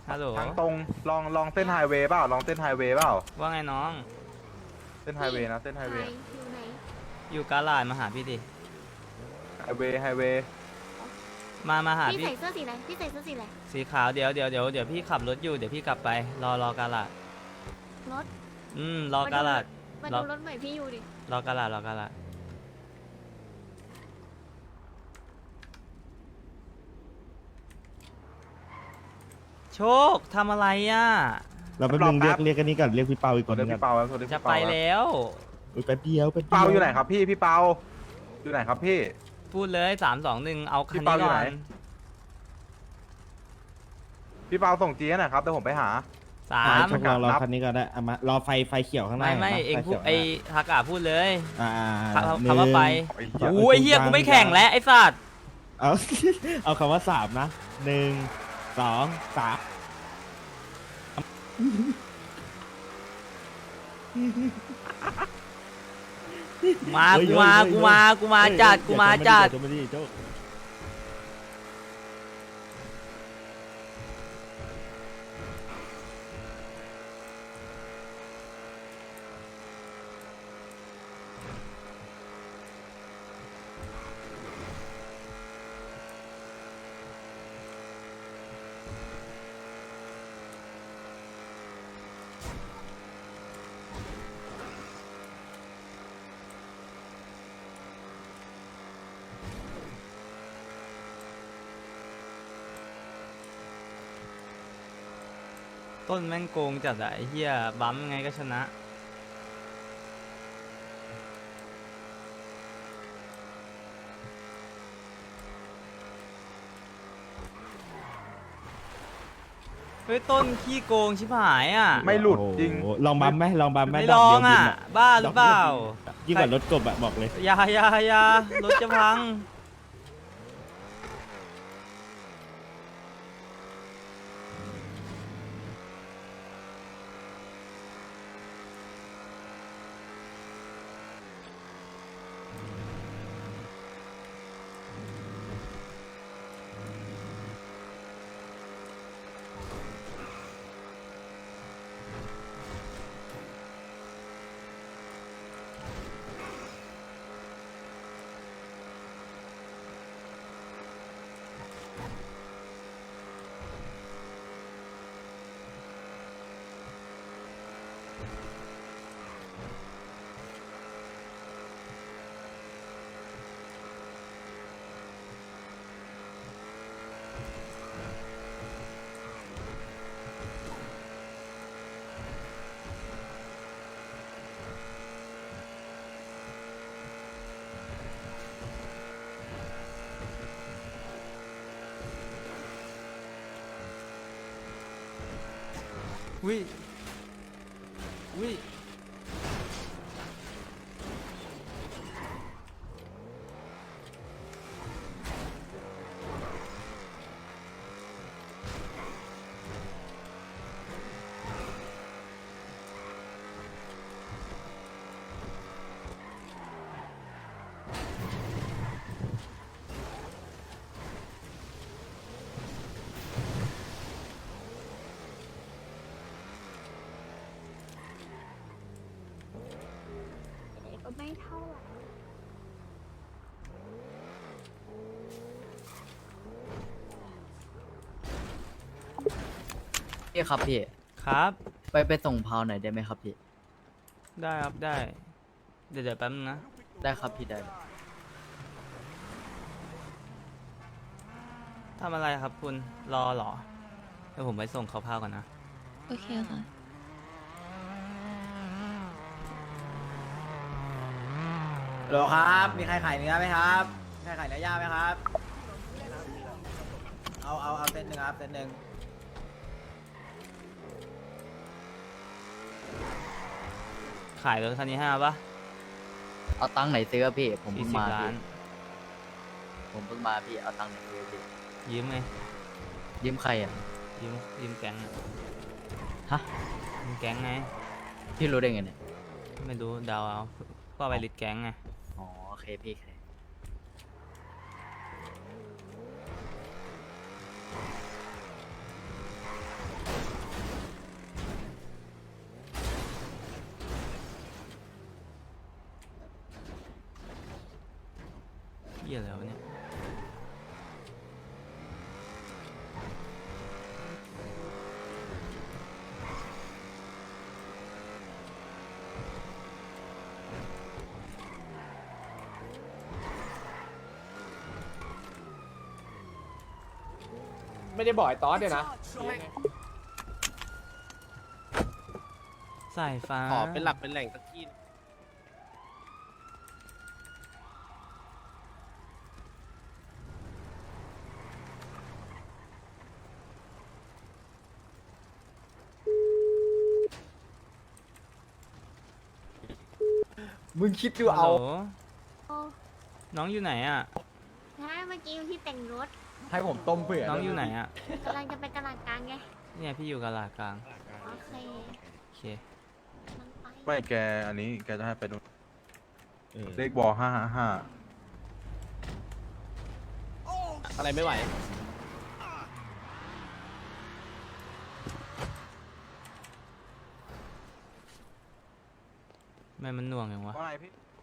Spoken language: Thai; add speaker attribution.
Speaker 1: ฮัลโหล
Speaker 2: ทางตรงลองเส้นไฮเวย์เปล่าลองเส้นไฮเวย์เปล่า
Speaker 1: ว่าไงน้อง
Speaker 2: เส้นไฮเวย์นะเส้นไฮเวย์
Speaker 3: อยู่ไหน
Speaker 1: อยู่กาลาดมาหาพี่ดิ
Speaker 2: ไฮเวย์
Speaker 1: มาหา
Speaker 3: พี่
Speaker 1: พี่
Speaker 3: ใส่เสื้อสีอะไรพี่ใส่เสื้อสีอะไร
Speaker 1: สีขาวเดี๋ยวพี่ขับรถอยู่เดี๋ยวพี่กลับไปรอกาลาด
Speaker 3: รถ
Speaker 1: รอกาลาด
Speaker 3: มา
Speaker 1: รอ
Speaker 3: ดูรถใหม่พี่อยู่ดิ
Speaker 1: รอกาลาดโชคทำอะไรอ่ะ
Speaker 4: เราแป๊บนึงเรียกกันนี้ก่อนเรียกพี่เปาอีกค
Speaker 2: โทร
Speaker 4: นนึ
Speaker 2: เรียก
Speaker 4: ง
Speaker 2: พี่
Speaker 4: ก่อน
Speaker 2: เปาครับโทรเรียก
Speaker 1: จะ
Speaker 2: พี่
Speaker 1: ไป
Speaker 2: เปาครับ
Speaker 1: แล้ว
Speaker 4: อุ๊ยแป๊บเดียว
Speaker 2: เปาอยู่ไหนครับพี่เปาอยู่ไหนครับพี่
Speaker 1: พูดเลย3 2 1เอาคัน
Speaker 2: พี่
Speaker 1: นี้
Speaker 2: เปาอยู่
Speaker 1: ก่อ
Speaker 2: ไหน
Speaker 1: น
Speaker 2: พี่เปาส่งจีให้หน่อยครับเดี๋ยวผมไปหา
Speaker 1: สา
Speaker 4: อ่ะ
Speaker 1: ม
Speaker 4: ชกรอคันนี้ก่อนได้เอามารอไฟเขียวข้างหน้า
Speaker 1: ไม่
Speaker 4: ห็นปะ
Speaker 1: เอง
Speaker 4: ฟ
Speaker 1: พูด
Speaker 4: ขียว
Speaker 1: ไอ้ทักอะพูดเลย
Speaker 4: อ่า
Speaker 1: คำว่าไป
Speaker 2: ไอ้เหี้ย
Speaker 1: โอ้ยเฮียกูไม่แข่งแล้วไอ้สัตว์
Speaker 4: เอา เอาคำว่า3นะ1 2 3
Speaker 1: กูมาจัด
Speaker 4: จะไม่ดีโจ้
Speaker 1: ต้นแม่งโกงจัดอะไอ้เฮียบั๊มยังไงก็ชนะเฮ้ยต้นขี้โกงชิบหายอ่ะ
Speaker 2: ไม่หลุดจริง
Speaker 4: โอ้โหลองบัมไหมลองบัมไหม
Speaker 1: ไม่
Speaker 4: ด
Speaker 1: ล
Speaker 4: ก
Speaker 1: อ
Speaker 4: เดี
Speaker 1: ง
Speaker 4: ยว
Speaker 1: อ่ะ
Speaker 4: บิน
Speaker 1: บ้าหรือเปล่า
Speaker 4: ยิ่งกว่ารถกบอะบอกเลย
Speaker 1: อย่ารถจะพัง วิวิ
Speaker 3: ก็ไม่เท่าไหร่
Speaker 5: พี่ครับพี่
Speaker 1: ครับ
Speaker 5: ไปส่งพาวหน่อยได้ไหมครับพี่
Speaker 1: ได้ครับได้ เดี๋ยวแป๊บนึงนะ
Speaker 5: ได้ครับพี่ได้
Speaker 1: ทำอะไรครับคุณรอเหรอเดี๋ยวผมไปส่งเขาพาวก่อนนะ
Speaker 6: โอเคค่ะ
Speaker 5: ฮัลโหลครับ มีใครขายเนื้อไหมครับมีใครขายเนื้อย่างไหมครับ เอาเซตหนึ่งครับเซตหนึ่ง
Speaker 1: ขายรถคันนี้ให้ปะ
Speaker 5: เอาตังค์ไหนซื้อพี่ ผม
Speaker 1: สี่
Speaker 5: เพิ่ง
Speaker 1: สิบ
Speaker 5: มา
Speaker 1: ล้า
Speaker 5: พี่
Speaker 1: น
Speaker 5: ผมเพิ่งมาพี่ เอาตังค์ไหนซื้อพี่
Speaker 1: ยืมไง
Speaker 5: ยืมใครอ่ะ
Speaker 1: ยืมแก๊งอะ
Speaker 5: ฮะ
Speaker 1: ยืมแก๊งไง
Speaker 5: พี่รู้ได้ไงเนี่ย
Speaker 1: ไม่รู้เดาเอาก็ไปลิดแก๊งไง
Speaker 5: อ๋อโอเคพี่โอเค
Speaker 1: เเหี้ยอะไรวะเนี่ย
Speaker 6: ไม่ได้บอกไอ้ตอสเนี่ยนะ
Speaker 1: สายฟ้า
Speaker 7: ขอเป็นหลักเป็นแหล่งสักที่
Speaker 5: มึงคิดดู
Speaker 1: ฮัล
Speaker 5: เอา
Speaker 1: โหล
Speaker 3: โอ้
Speaker 1: น้องอยู่ไหนอ่ะ
Speaker 3: งั้นเมื่อกี้พี่แต่งรถ
Speaker 5: ให้ผมต้มเผื่อ
Speaker 1: น้องอยู่ไหนอ่ะ
Speaker 3: กำลังจะไปตลาดกลางไง
Speaker 1: เนี่ยพี่อยู่กับหลาดกลาง
Speaker 3: โอเค
Speaker 1: โอเค
Speaker 3: มันไป
Speaker 2: ไม่แกอันนี้แกจะให้ไปนู่น
Speaker 4: เออ
Speaker 2: เลขบอ555
Speaker 7: อะไรไม่ไหว
Speaker 1: แม่มันหน่วงอย่างวะ
Speaker 2: ว่าไงพี่